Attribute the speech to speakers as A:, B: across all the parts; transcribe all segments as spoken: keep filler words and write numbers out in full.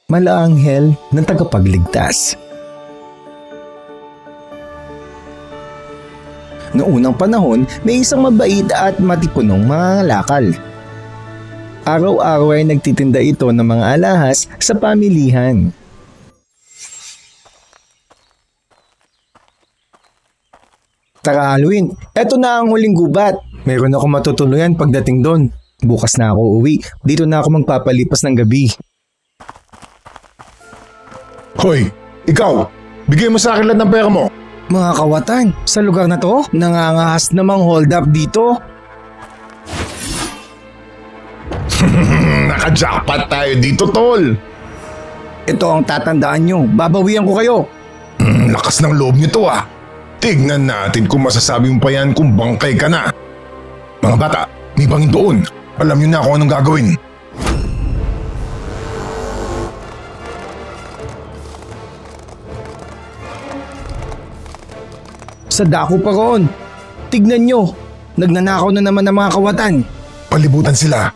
A: Malaanghel ng tagapagligtas. Noong unang panahon, may isang mabait at matipunong mangangalakal. Araw-araw ay nagtitinda ito ng mga alahas sa pamilihan. Tara Halloween, eto na ang huling gubat. Mayroon ako matutuluyan pagdating doon. Bukas na ako uwi. Dito na ako magpapalipas ng gabi.
B: Hoy, ikaw! Bigay mo sa akin lahat ng pera mo!
A: Mga kawatan, sa lugar na to, nangangahas namang hold up dito.
B: Naka-jackpot tayo dito, tol!
A: Ito ang tatandaan nyo, babawian ko kayo.
B: Hmm, lakas ng loob nyo to ah. Tignan natin kung masasabi mo pa yan kung bangkay ka na. Mga bata, may bangin doon. Alam nyo na kung anong gagawin.
A: Sa dako pa roon. Tignan nyo, nagnanakaw na naman ang mga kawatan.
B: Palibutan sila.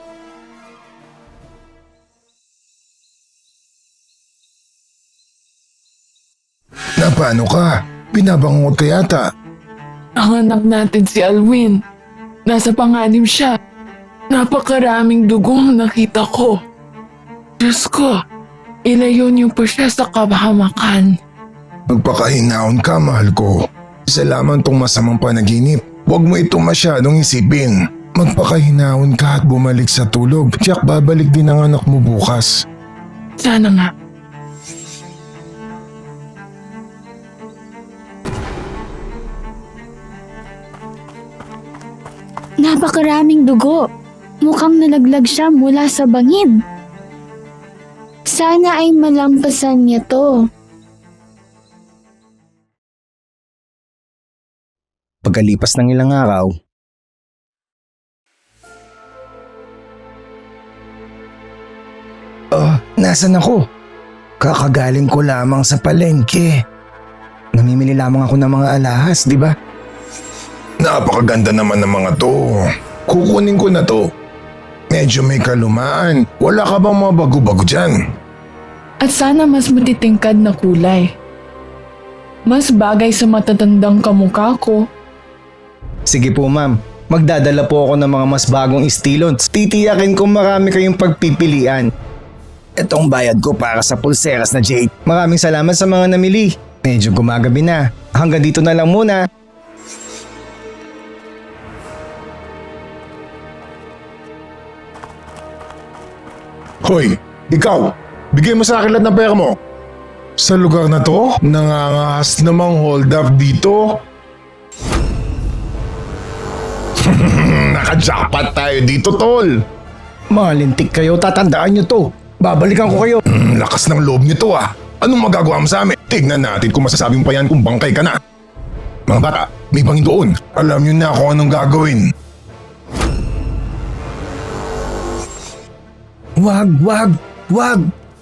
B: Na paano ka? Binabangot ka yata.
C: Ang anak natin si Alwin. Nasa panganib siya. Napakaraming dugo ang nakita ko. Diyos ko, ilayo niyo po siya sa kabahamakan.
B: Magpakahinaon ka, mahal ko. Isa lamang tong masamang panaginip. Huwag mo itong masyadong isipin. Magpakahinaon ka at bumalik sa tulog. Tiyak babalik din ang anak mo bukas.
C: Sana nga.
D: Napakaraming dugo. Mukhang nalaglag siya mula sa bangin. Sana ay malampasan niya to.
A: Pagkalipas ng ilang araw, Oh, nasan ako? Kakagaling ko lamang sa palengke. Namimili lamang ako ng mga alahas, di ba?
B: Napakaganda naman ng mga to. Kukunin ko na to. Medyo may kalumaan. Wala ka bang mga bago-bago dyan?
C: At sana mas matitingkad na kulay. Mas bagay sa matatandang kamukha ko.
A: Sige po ma'am, magdadala po ako ng mga mas bagong estilon. Titiyakin kong marami kayong pagpipilian. Itong bayad ko para sa pulseras na jade. Maraming salamat sa mga namili. Medyo gumagabi na. Hanggang dito na lang muna.
B: Hoy, ikaw! Bigay mo sa akin lahat ng pera mo. Sa lugar na to, nangangahas namang hold up dito. Naka-jackpot tayo dito, tol.
A: Malintik kayo, tatandaan nyo to. Babalikan ko kayo.
B: Hmm, lakas ng loob nyo to ah. Anong magagawa mo sa amin? Tignan natin kung masasabi mo pa yan kung bangkay ka na. Mga bata, may bangin doon. Alam nyo na kung anong gagawin.
A: Wag, wag, wag.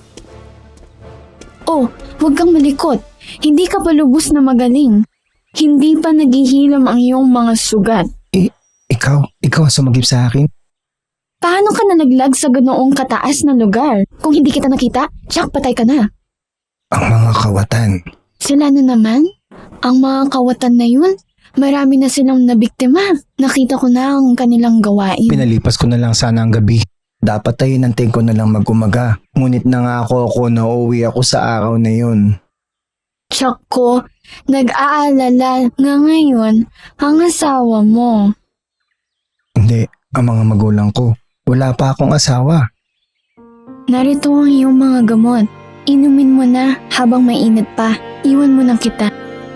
D: Oh, huwag kang malikot. Hindi ka pa lubos na magaling. Hindi pa naghihilam ang iyong mga sugat.
A: Eh, ikaw, ikaw ang sumagip sa akin.
D: Paano ka nalaglag sa ganoong kataas na lugar? Kung hindi kita nakita, tsak patay ka na.
A: Ang mga kawatan.
D: Sila na naman? Ang mga kawatan na yun? Marami na silang nabiktima. Nakita ko na ang kanilang gawain.
A: Pinalipas ko na lang sana ang gabi. Dapat ay inantay ko na lang mag-umaga. Ngunit nangako ako na uuwi ako sa araw na yun.
D: Tsak ko, nag-aalala nga ngayon ang asawa mo.
A: Hindi, ang mga magulang ko. Wala pa akong asawa.
D: Narito ang iyong mga gamot. Inumin mo na habang mainit pa. Iwan mo na kita.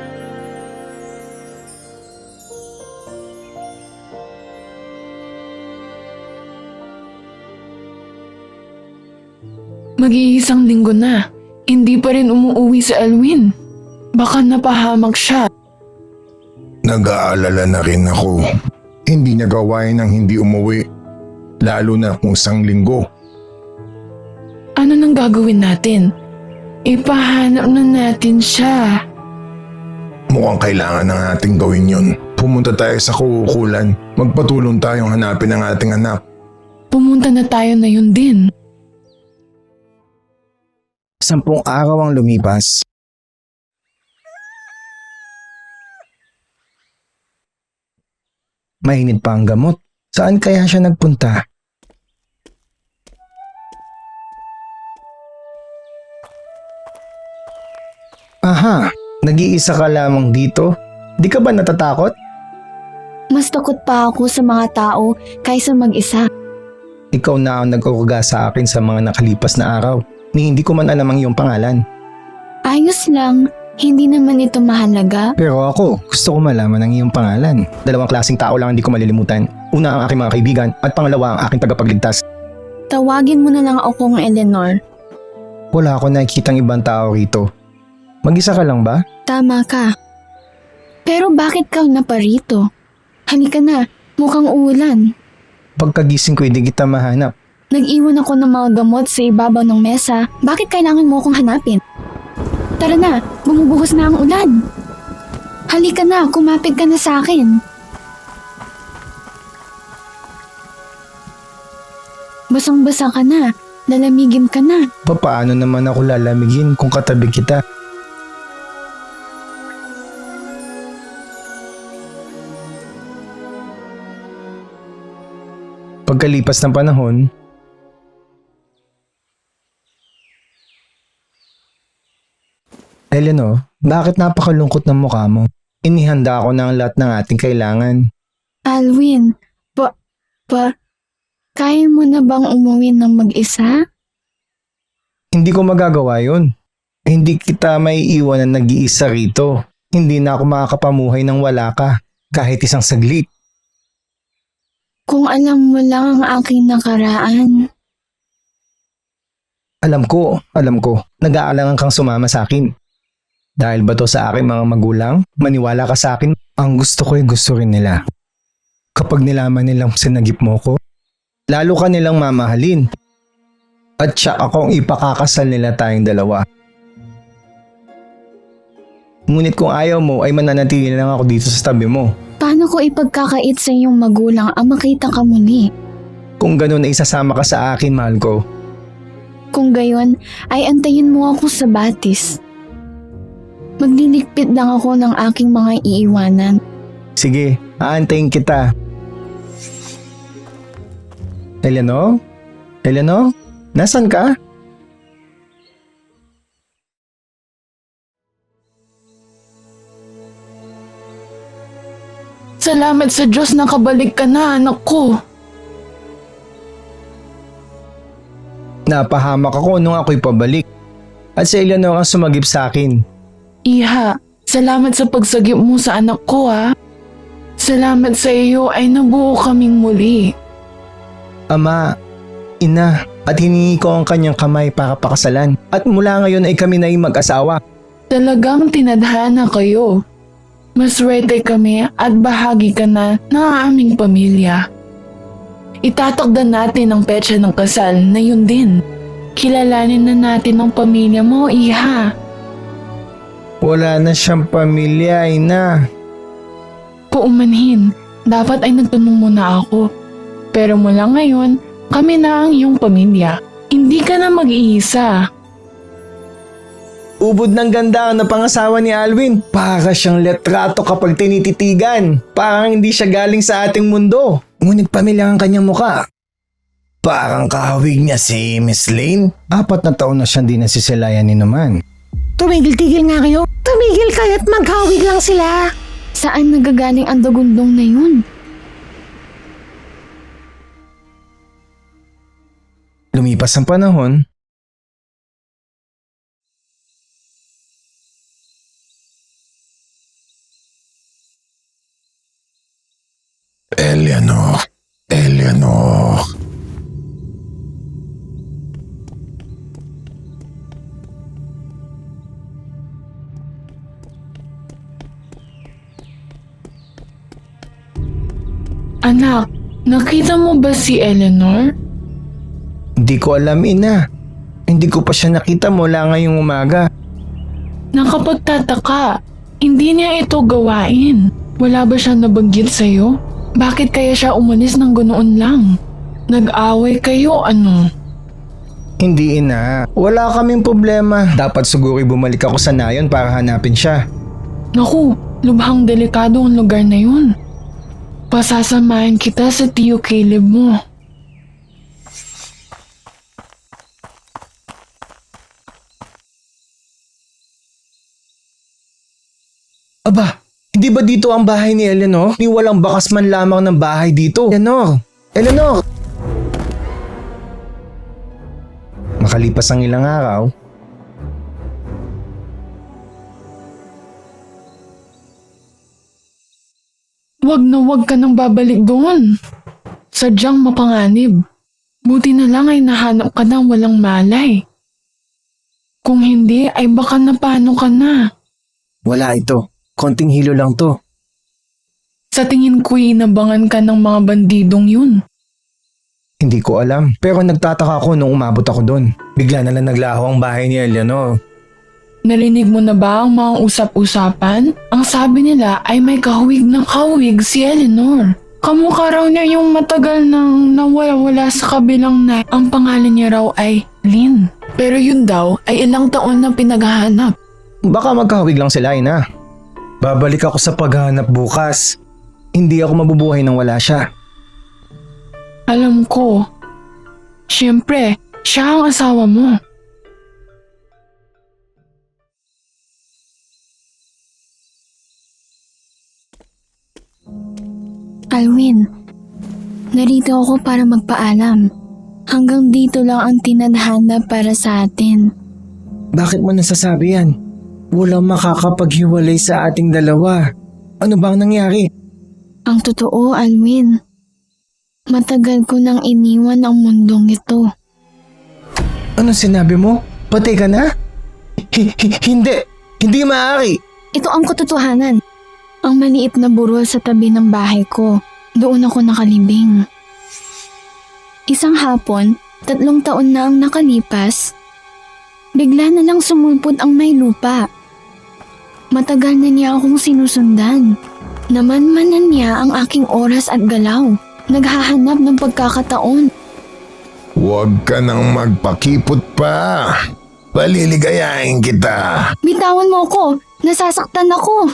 C: Mag-iisang linggo na. Hindi pa rin umuuwi si Alwin. Baka napahamak siya.
B: Nag-aalala na rin ako. Hindi niya gawain ng hindi umuwi. Lalo na kung isang linggo.
C: Ano nang gagawin natin? Ipahanap na natin siya.
B: Mukhang kailangan na nating gawin yun. Pumunta tayo sa kukulan. Magpatulong tayong hanapin ang ating anak.
C: Pumunta na tayo na yun din.
A: Sampung araw ang lumipas. Mainit pa ang gamot. Saan kaya siya nagpunta? Aha, nag-iisa ka lamang dito? Di ka ba natatakot?
D: Mas takot pa ako sa mga tao kaysa mag-isa.
A: Ikaw na ang nagkukuga sa akin sa mga nakalipas na araw, ni hindi ko man alam ang iyong pangalan.
D: Ayos lang, hindi naman ito mahalaga.
A: Pero ako, gusto ko malaman ang iyong pangalan. Dalawang klaseng tao lang hindi ko malilimutan. Una ang aking mga kaibigan at pangalawa ang aking tagapagligtas.
D: Tawagin mo na lang akong Eleanor.
A: Wala ako nakikitang ibang tao rito. Mag-isa ka lang ba?
D: Tama ka. Pero bakit ka na pa rito? Halika na, mukhang uulan.
A: Pagkagising ko hindi kita mahanap.
D: Nag-iwan ako ng mga gamot sa ibabaw ng mesa. Bakit kailangan mo akong hanapin? Tara na, bumubuhos na ang ulan. Halika na, kumapit ka na sa akin. Basang-basa ka na, lalamigin ka na.
A: Paano naman ako lalamigin kung katabi kita? Pagkalipas ng panahon, Eleanor, bakit napakalungkot ng mukha mo? Inihanda ako ng lahat ng ating kailangan.
D: Alwin, pa, pa, kaya mo na bang umuwi ng mag-isa?
A: Hindi ko magagawa yun. Hindi kita may iwan na nag-iisa rito. Hindi na ako makakapamuhay nang wala ka, kahit isang saglit.
D: Kung alam mo lang ang aking nakaraan.
A: Alam ko, alam ko, nag-aalangan kang sumama sa akin. Dahil ba to sa aking mga magulang? Maniwala ka sa akin, ang gusto ko ay gusto rin nila. Kapag nilaman nilang sinagip mo ko, lalo ka nilang mamahalin. At siya akong ipakakasal nila tayong dalawa. Ngunit kung ayaw mo ay mananatili lang ako dito sa tabi mo.
D: Paano ko ipagkakait sa iyong magulang ang makita ka muli?
A: Kung ganun ay isasama ka sa akin, mahal ko.
D: Kung gayon, ay antayin mo ako sa batis. Magliligpit lang ako ng aking mga iiwanan.
A: Sige, aantayin kita. Eleanor? Eleanor? Nasaan ka?
C: Salamat sa Diyos na kabalik ka na, anak ko.
A: Napahamak ako nung ako'y pabalik. At si Eleanor ang sumagip sa akin.
C: Iha, salamat sa pagsagip mo sa anak ko ha. Salamat sa iyo ay nabuo kaming muli.
A: Ama, ina, at hiningi ko ang kanyang kamay para pakasalan. At mula ngayon ay kami na yung mag-asawa.
C: Talagang tinadhana kayo. Maswerte kami at bahagi ka na ng aming pamilya. Itatakda natin ang petsa ng kasal na yun din. Kilalanin na natin ang pamilya mo, iha.
A: Wala na siyang pamilya, ina.
C: Paumanhin, dapat ay nagtanong muna ako. Pero mula ngayon, kami na ang iyong pamilya. Hindi ka na mag-iisa.
A: Ubod ng ganda ang napangasawa ni Alwin. Para siyang letrato kapag tinititigan. Parang hindi siya galing sa ating mundo. Ngunit pamilya ang kanyang muka. Parang kahawig niya si Miss Lane. Apat na taon na siyang di nasisilayan ni naman.
E: Tumigil-tigil nga kayo. Tumigil kayo at maghawig lang sila.
D: Saan nagagaling ang dagundong na yun?
A: Lumipas ang panahon.
B: Eleanor, Eleanor.
C: Anak, nakita mo ba si Eleanor?
A: Hindi ko alam, ina. Hindi ko pa siya nakita mula ngayong umaga.
C: Nakapagtataka, hindi niya ito gawain. Wala ba siya nabanggit sa'yo? Bakit kaya siya umalis ng ganoon lang? Nag-away kayo ano?
A: Hindi ina, wala kaming problema. Dapat siguro bumalik ako sa nayon para hanapin siya.
C: Naku, lubhang delikado ang lugar na yun. Pasasamahin kita sa Tio Caleb mo.
A: Aba, hindi ba dito ang bahay ni Eleanor? Ni walang bakas man lamang ng bahay dito. Eleanor! Eleanor! Makalipas ang ilang araw,
C: Wag na wag ka nang babalik doon. Sadyang mapanganib. Buti na lang ay nahanap ka ng walang malay. Kung hindi ay baka napano ka na.
A: wala ito. Konting hilo lang to.
C: Sa tingin ko'y inabangan ka ng mga bandidong yun.
A: Hindi ko alam. Pero nagtataka ako nung umabot ako doon. Bigla na lang naglaho ang bahay ni Eleanor.
C: Narinig mo na ba ang mga usap-usapan? Ang sabi nila ay may kahawig na kahawig si Eleanor. Kamukha raw niya yung matagal nang nawala-wala sa kabilang night. Ang pangalan niya raw ay Lynn. Pero yun daw ay ilang taon na pinaghahanap.
A: Baka magkahawig lang sila, ina. Babalik ako sa paghahanap bukas. Hindi ako mabubuhay nang wala siya.
C: Alam ko. Siyempre, siya ang asawa mo.
D: Alwin, narito ako para magpaalam. Hanggang dito lang ang tinadhana para sa atin.
A: Bakit mo nasasabi yan? Walang makakapaghiwalay sa ating dalawa. Ano bang nangyari?
D: Ang totoo, Alwin. Matagal ko nang iniwan ang mundong ito.
A: Anong sinabi mo? Patay ka na? H- h- hindi! Hindi maaari!
D: Ito ang katotohanan. Ang maliit na burol sa tabi ng bahay ko. Doon ako nakalibing. Isang hapon, tatlong taon na ang nakalipas, bigla na lang sumulpot ang may lupa. Matagal na niya akong sinusundan. Namanmanan niya ang aking oras at galaw. Naghahanap ng pagkakataon.
B: Huwag ka nang magpakipot pa. Paliligayahin kita.
D: Bitawan mo ko! Nasasaktan ako!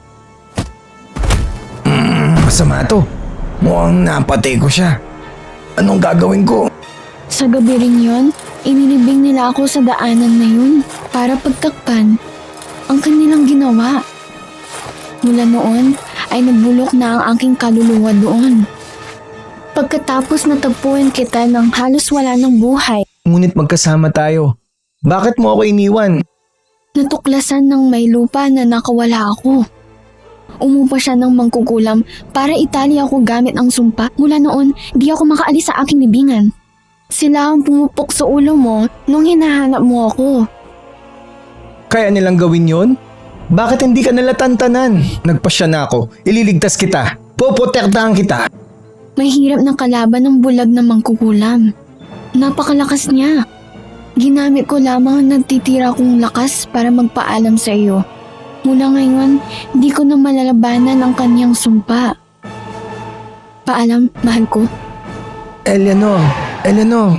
A: Masama to. Mukhang napatay ko siya. Anong gagawin ko?
D: Sa gabi rin yun, inilibing nila ako sa daanan na yun para pagtakpan ang kanilang ginawa. Mula noon ay nagbulok na ang aking kaluluwa doon. Pagkatapos natagpuan kita ng halos wala ng buhay,
A: Ngunit magkasama tayo. Bakit mo ako iniwan?
D: natuklasan ng may lupa na nakawala ako. Umupa siya ng mangkukulam para itali ako gamit ang sumpa. Mula noon, di ako makaalis sa aking libingan. Sila ang pumupok sa ulo mo nung hinahanap mo ako.
A: Kaya nilang gawin yon? Bakit hindi ka nalatantanan? Nagpasya na ako. Ililigtas kita. Poprotektahan kita.
D: May hirap ng kalaban ng bulag na mangkukulam. Napakalakas niya. Ginamit ko lamang ang nagtitira kong lakas para magpaalam sa iyo. Mula ngayon, di ko na malalabanan ang kanyang sumpa. Paalam, mahal ko.
A: Eleanor, Eleanor.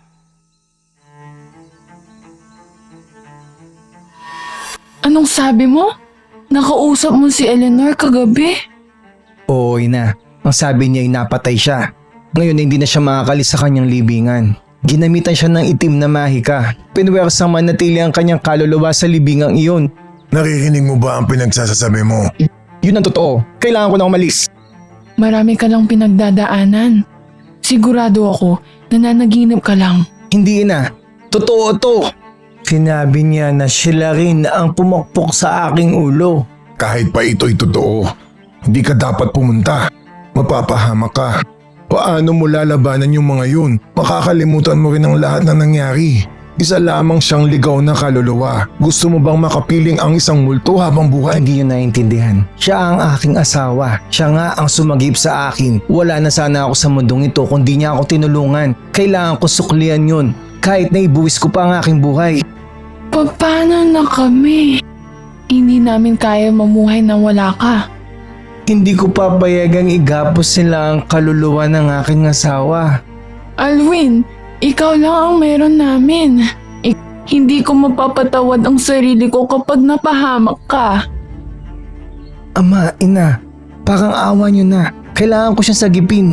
C: Anong sabi mo? Nakausap mo si Eleanor kagabi?
A: Oo, ina. Ang sabi niya ay napatay siya. Ngayon hindi na siya makakalis sa kanyang libingan. Ginamitan siya ng itim na mahika. Pinwersang manatili ang kanyang kaluluwa sa libingang iyon.
B: Naririnig mo ba ang pinagsasasabi mo?
A: Yun ang totoo. Kailangan ko na umalis.
C: Marami ka lang pinagdadaanan. Sigurado ako, nananaginip ka lang.
A: Hindi na. Totoo to. Sinabi niya na sila rin ang pumakpok sa aking ulo.
B: Kahit pa ito'y totoo, hindi ka dapat pumunta. Mapapahamak ka. Paano mo lalabanan yung mga yun? Makakalimutan mo rin ang lahat na nangyari. Isa lamang siyang ligaw na kaluluwa. Gusto mo bang makapiling ang isang multo habang buhay?
A: Hindi yun naiintindihan. Siya ang aking asawa. Siya nga ang sumagip sa akin. Wala na sana ako sa mundong ito kung di niya ako tinulungan. Kailangan ko suklian yun. Kahit na ibuwis ko pa ang aking buhay.
C: Paano na kami? Hindi namin kaya mamuhay na wala ka.
A: Hindi ko papayagang igapos sila ang kaluluwa ng aking asawa.
C: Alwin, Ikaw lang ang meron namin. Ik- hindi ko mapapatawad ang sarili ko kapag napahamak ka.
A: Ama, ina, parang awa niyo na. Kailangan ko siyang sagipin.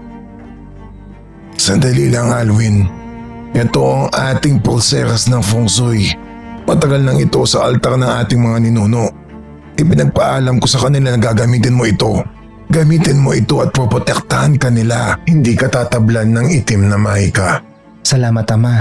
B: Sandali lang, Alwin. Ito ang ating pulseras ng feng shui. Matagal nang ito sa altar ng ating mga ninuno. Ipinagpaalam ko sa kanila na gagamitin mo ito. Gamitin mo ito at poprotektahan ka nila. Hindi ka tatablan ng itim na mahika.
A: Salamat, Ama.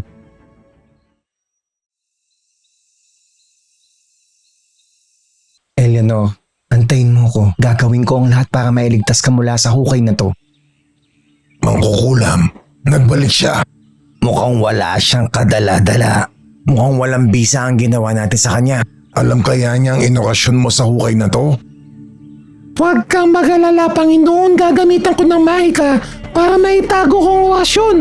A: Eleanor, antayin mo ko. Gagawin ko ang lahat para mailigtas ka mula sa hukay na to.
B: Mangkukulam, nagbalik siya.
A: Mukhang wala siyang kadala-dala. Mukhang walang bisa ang ginawa natin sa kanya.
B: Alam kaya niya ang inokasyon mo sa hukay na to?
E: Huwag kang mag-alala, Panginoon. Gagamitan ko ng mahika para maitago kong orasyon.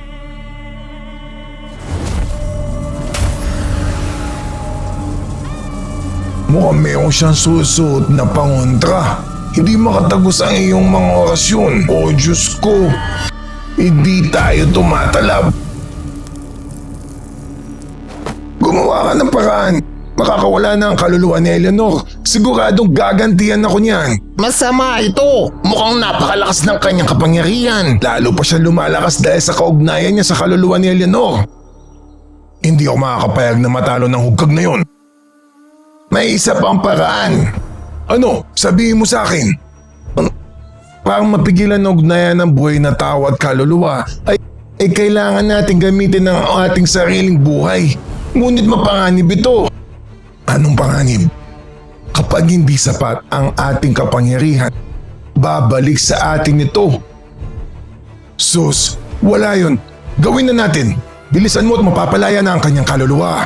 B: Mukhang mayroon siyang susuot na pangontra. Hindi makatagos ang iyong mga orasyon. O Diyos ko, hindi tayo tumatalab. Gumawa ka ng paraan. Makakawala na ang kaluluwa ni Eleanor. Siguradong gagantihan ako niyan. Masama ito. Mukhang napakalakas ng kanyang kapangyarihan. Lalo pa siya lumalakas dahil sa kaugnayan niya sa kaluluwa ni Eleanor. Hindi ako makakapayag na matalo ng hugag na yon. May isa pang paraan. Ano? Sabihin mo sa akin. An- Parang mapigilan ng ugnayan ng buhay na tao at kaluluwa ay, ay kailangan natin gamitin ang ating sariling buhay. Ngunit mapanganib ito. Anong panganib? Kapag hindi sapat ang ating kapangyarihan, babalik sa atin ito. Sus, wala yun. Gawin na natin. Bilisan mo at mapapalaya na ang kanyang kaluluwa.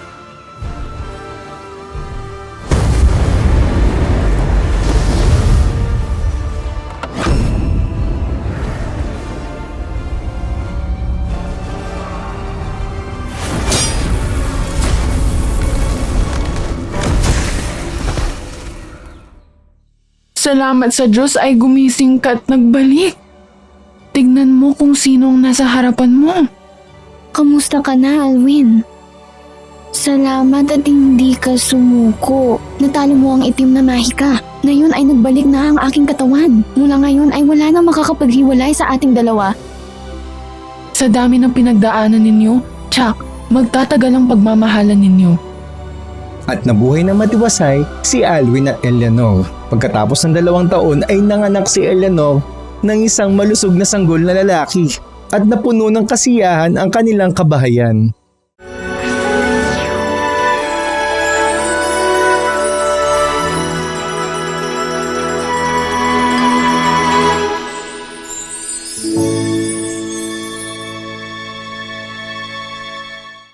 C: Salamat sa Diyos ay gumising ka at nagbalik. Tignan mo kung sinong nasa harapan mo.
D: Kamusta ka na, Alwin? Salamat at hindi ka sumuko. Natalo mo ang itim na mahika. Ngayon ay nagbalik na ang aking katawan. Mula ngayon ay wala nang makakapaghiwalay sa ating dalawa.
C: Sa dami ng pinagdaanan ninyo, Chuck, magtatagal ang pagmamahalan ninyo.
A: At nabuhay na matiwasay si Alwin at Eleanor. Pagkatapos ng dalawang taon ay nanganak si Eleanor ng isang malusog na sanggol na lalaki at napuno ng kasiyahan ang kanilang kabahayan.